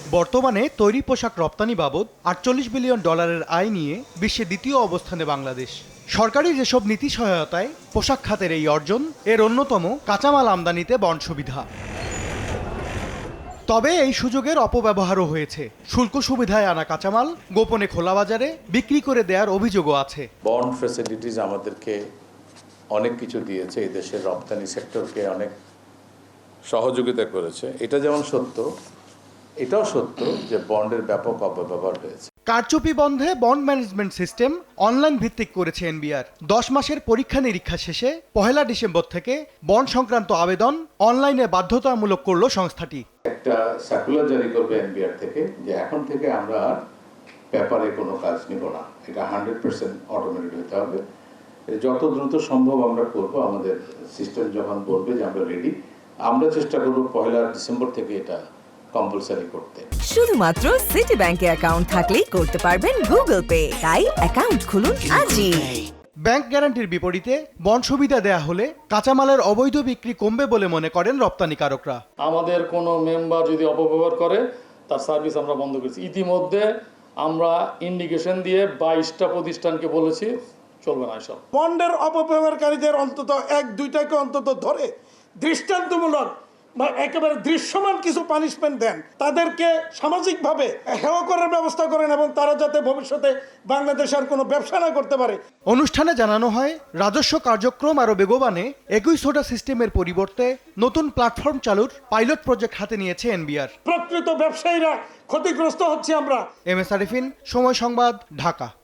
বর্তমানে তৈরি পোশাক রপ্তানি বাবদ $48 বিলিয়ন আয় নিয়ে বিশ্বে দ্বিতীয় অবস্থানে বাংলাদেশ। সরকারি যেসব নীতি সহায়তায় পোশাক খাতের এই অর্জন, এর অন্যতম কাঁচামাল আমদানিতে বন্ড সুবিধা। তবে এই সুযোগের অপব্যবহারও হয়েছে। শুল্ক সুবিধায় আনা কাঁচামাল গোপনে খোলা বাজারে বিক্রি করে দেওয়ার অভিযোগও আছে। বন্ড ফ্যাসিলিটিস আমাদেরকে অনেক কিছু দিয়েছে, এই দেশের রপ্তানি সেক্টরকে অনেক সহযোগিতা করেছে। এটা যেমন সত্য, এটাও সত্য যে বন্ডের ব্যাপক অপব্যবহার হয়েছে। কারচুপি বন্ধে বন্ড ম্যানেজমেন্ট সিস্টেম অনলাইন ভিত্তিক করেছে এনবিআর। 10 মাসের পরীক্ষা নিরীক্ষা শেষে 1 ডিসেম্বর থেকে বন্ড সংক্রান্ত আবেদন অনলাইনে বাধ্যতামূলক করল সংস্থাটি। একটা সার্কুলার জারি করবে এনবিআর থেকে যে এখন থেকে আমরা আর পেপারে কোনো কাজ নিব না, এটা 100% অটোমেটেড হতে হবে। যত দ্রুত সম্ভব আমরা করব, আমাদের সিস্টেম যখন বলবে যে আমরা রেডি, আমরা চেষ্টা করব 1 ডিসেম্বর থেকে এটা কম্পালসারি করতে। শুধুমাত্র সিটি ব্যাংকে অ্যাকাউন্ট থাকলেই করতে পারবেন গুগল পে। তাই অ্যাকাউন্ট খুলুন আজই। ব্যাংক গ্যারান্টির বিপরীতে বন্ড সুবিধা দেয়া হলে কাঁচামালের অবৈধ বিক্রি কমবে বলে মনে করেন রপ্তানিকারকরা। আমাদের কোনো মেম্বার যদি অপব্যবহার করে তার সার্ভিস আমরা বন্ধ করেছি। ইতিমধ্যে আমরা ইন্ডিকেশন দিয়ে 22টা প্রতিষ্ঠানকে বলেছি চলবে না এসব। বন্ডের অপব্যবহারকারীদের অন্তত 1-2টাকে অন্তত ধরে দৃষ্টান্তমূলক বা একেবারে দৃশ্যমান কিছু পানিশমেন্ট দেন, তাদেরকে সামাজিকভাবে হেয় করার ব্যবস্থা করেন এবং তারা যাতে ভবিষ্যতে বাংলাদেশে আর কোনো ব্যবসা না করতে পারে। অনুষ্ঠানে জানানো হয়, রাজস্ব কার্যক্রম আরও বেগবানে 21 সোডা সিস্টেমের পরিবর্তে নতুন প্ল্যাটফর্ম চালুর পাইলট প্রজেক্ট হাতে নিয়েছে এনবিআর। প্রকৃত ব্যবসায়ীরা ক্ষতিগ্রস্ত হচ্ছে আমরা। এম এস আরিফিন, সময় সংবাদ, ঢাকা।